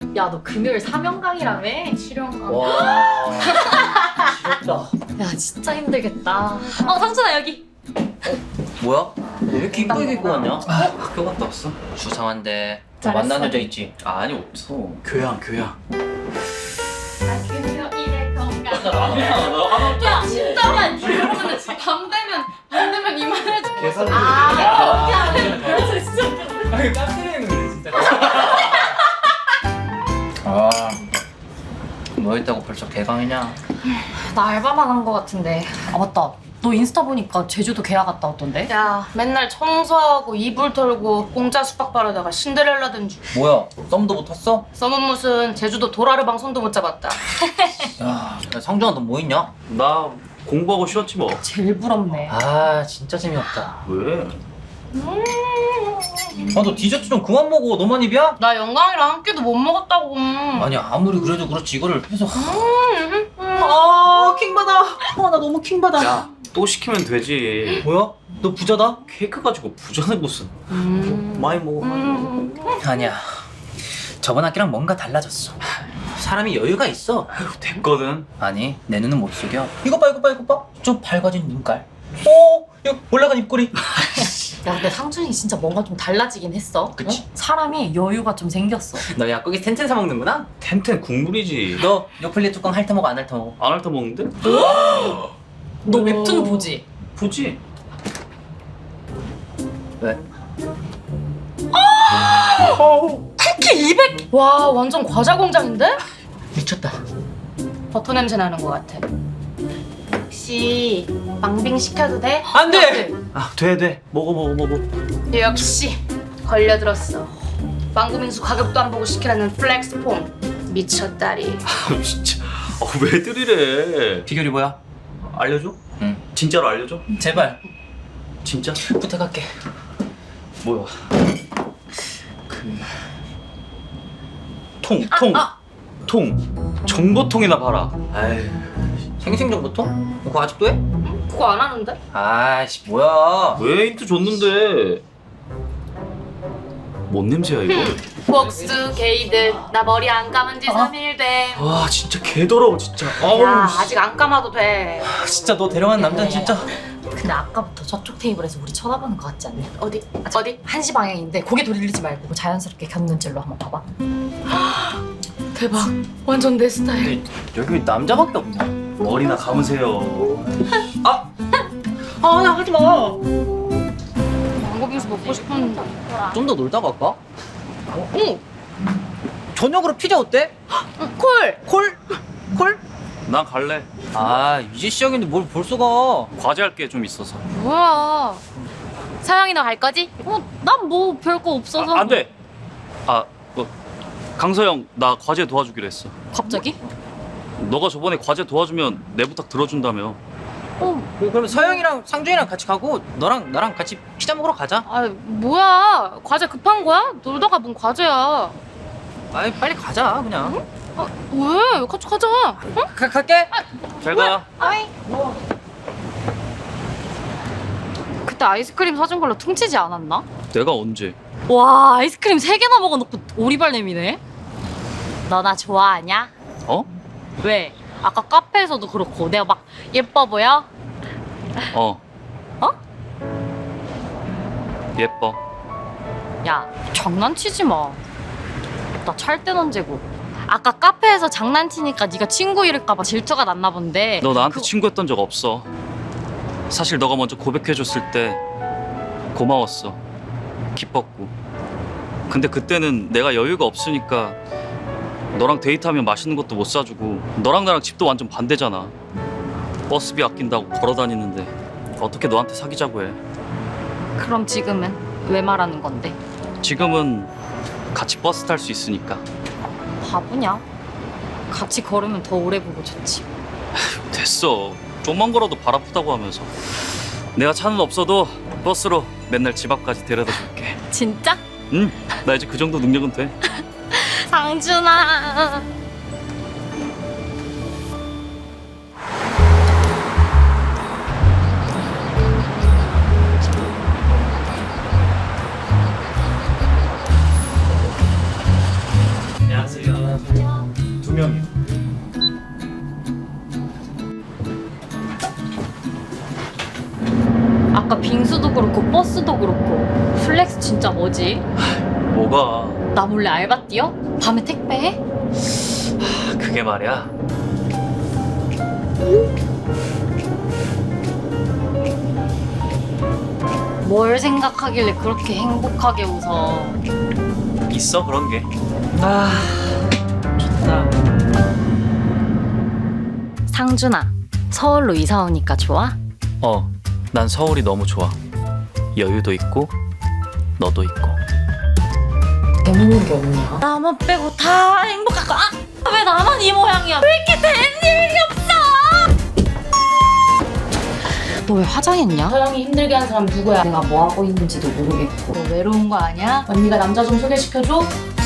야, 너 금요일 사명강이라며? 실현감. 와 지겹다. 야, 진짜 힘들겠다. 상준아, 여기. 뭐야? 너 왜 이렇게 이쁘게 입고 왔냐? 학교 갔다 왔어? 수상한데. 잘했어. 만난 여자 있지? 아니 없어. 교양. 금요일에 건강. 야 진짜만 이러면 밤 되면 이만해져. 계산을 그렇게 하면 그래서 진짜. 아니 깜짝이야 진짜. 뭐 했다고 벌써 개강이냐? 나 알바만 한 거 같은데. 아, 맞다. 너 인스타 보니까 제주도 계약 갔다 왔던데? 야 맨날 청소하고 이불 털고 공짜 숙박 바르다가 신데렐라 된 줄. 뭐야? 썸도 붙었어? 썸은 무슨 제주도 도라르방 손도 못 잡았다. 야 상준아 너 뭐 있냐? 나 공부하고 쉬었지 뭐. 제일 부럽네. 아 진짜 재미없다. 왜? 아 너 디저트 좀 그만 먹어. 너만 입이야? 나 영광이랑 한 끼도 못 먹었다고. 아니 아무리 그래도 그렇지 이거를 해서 킹받아. 나 너무 킹받아. 야 또 시키면 되지. 뭐야? 너 부자다? 케이크 가지고 부자네 무슨. 많이 먹어. 아니야 저번 학기랑 뭔가 달라졌어. 사람이 여유가 있어. 됐거든. 아니 내 눈은 못 속여. 이거 봐. 좀 밝아진 눈깔. 이거 올라간 입꼬리. 야, 근데 상준이 진짜 뭔가 좀 달라지긴 했어. 그치? 사람이 여유가 좀 생겼어. 너 약국에서 텐텐 사 먹는구나? 텐텐 국물이지. 너 요플레 뚜껑 핥아 먹어 안 핥아 먹어? 안 핥아 먹는데? 너 웹툰 보지? 보지. 왜? 쿠키 200. 와 완전 과자 공장인데? 미쳤다. 버터 냄새 나는 것 같아. 혹시 망빙 시켜도 돼? 안 돼! 아 돼. 먹어. 역시 걸려들었어. 망고민수 가격도 안 보고 시키라는 플렉스폰. 미쳤다리. 아 진짜. 왜 들이래? 비결이 뭐야? 알려줘? 응. 진짜로 알려줘? 제발 진짜? 부탁할게. 뭐야? 통. 정보통이나 봐라. 아이. 생생정보통? 그거 아직도 해? 그거 안 하는데? 아이씨 뭐야. 왜 힌트 줬는데? 뭔 냄새야 이거? 복수 게이드 나 머리 안 감은 지 3일 돼. 와 진짜 개더러워 진짜. 아우. 야 아직 안 감아도 돼. 진짜 너 데려간 남자는 진짜. 근데 아까부터 저쪽 테이블에서 우리 쳐다보는 거 같지 않냐? 어디? 한시 방향인데 고개 돌리지 말고 자연스럽게 겪는질로 한번 봐봐. 대박. 완전 내 스타일. 근데 여기 왜 남자밖에 없냐? 머리나 감으세요. 나 하지 마. 망고빙수 먹고 싶었는데. 좀 더 놀다 갈까? 응. 저녁으로 피자 어때? 콜. 콜? 난 갈래. 아 이제 시작인데 뭘 벌써 가? 과제할 게 좀 있어서. 뭐야? 서영이 너 갈 거지? 난 뭐 별거 없어서. 안 돼. 강서영 나 과제 도와주기로 했어. 갑자기? 너가 저번에 과제 도와주면 내 부탁 들어준다며. 그럼 서영이랑 상준이랑 같이 가고 너랑 나랑 같이 피자 먹으러 가자. 아 뭐야? 과제 급한 거야? 놀다가 뭔 과제야? 아이 빨리 가자 그냥. 왜? 같이 가자. 응? 갈게. 잘 가. 아이. 그때 아이스크림 사준 걸로 퉁치지 않았나? 내가 언제? 와, 아이스크림 3개나 먹어놓고 오리발 내미네. 너 나 좋아하냐? 어? 왜? 아까 카페에서도 그렇고 내가 막 예뻐 보여? 어. 어? 예뻐. 야, 장난치지 마. 나 찰 땐 언제고. 아까 카페에서 장난치니까 네가 친구 잃을까 봐 질투가 났나 본데. 너 나한테 그거- 친구했던 적 없어. 사실 너가 먼저 고백해줬을 때 고마웠어. 기뻤고. 근데 그때는 내가 여유가 없으니까 너랑 데이트하면 맛있는 것도 못 사주고 너랑 나랑 집도 완전 반대잖아. 버스비 아낀다고 걸어 다니는데 어떻게 너한테 사귀자고 해. 그럼 지금은 왜 말하는 건데? 지금은 같이 버스 탈 수 있으니까. 바보냐? 같이 걸으면 더 오래 보고 좋지. 됐어. 좀만 걸어도 발 아프다고 하면서. 내가 차는 없어도 버스로 맨날 집 앞까지 데려다 줄게. 진짜? 응, 나 이제 그 정도 능력은 돼. 상준아. 안녕하세요. 안녕하세요. 2명이요. 아까 빙수도 그렇고 버스도 그렇고 플렉스 진짜 뭐지? 뭐가? 나 몰래 알바 뛰어? 밤에 택배해? 그게 말이야. 뭘 생각하길래 그렇게 행복하게 웃어? 있어 그런 게. 아, 좋다. 상준아, 서울로 이사 오니까 좋아? 난 서울이 너무 좋아. 여유도 있고 너도 있고. 재밌는 게 없냐? 나만 빼고 다 행복하고 왜 나만 이 모양이야? 왜 이렇게 된 일이 없어? 너 왜 화장했냐? 서영이 힘들게 한 사람 누구야? 내가 뭐 하고 있는지도 모르겠고 너 외로운 거 아니야? 언니가 남자 좀 소개시켜줘?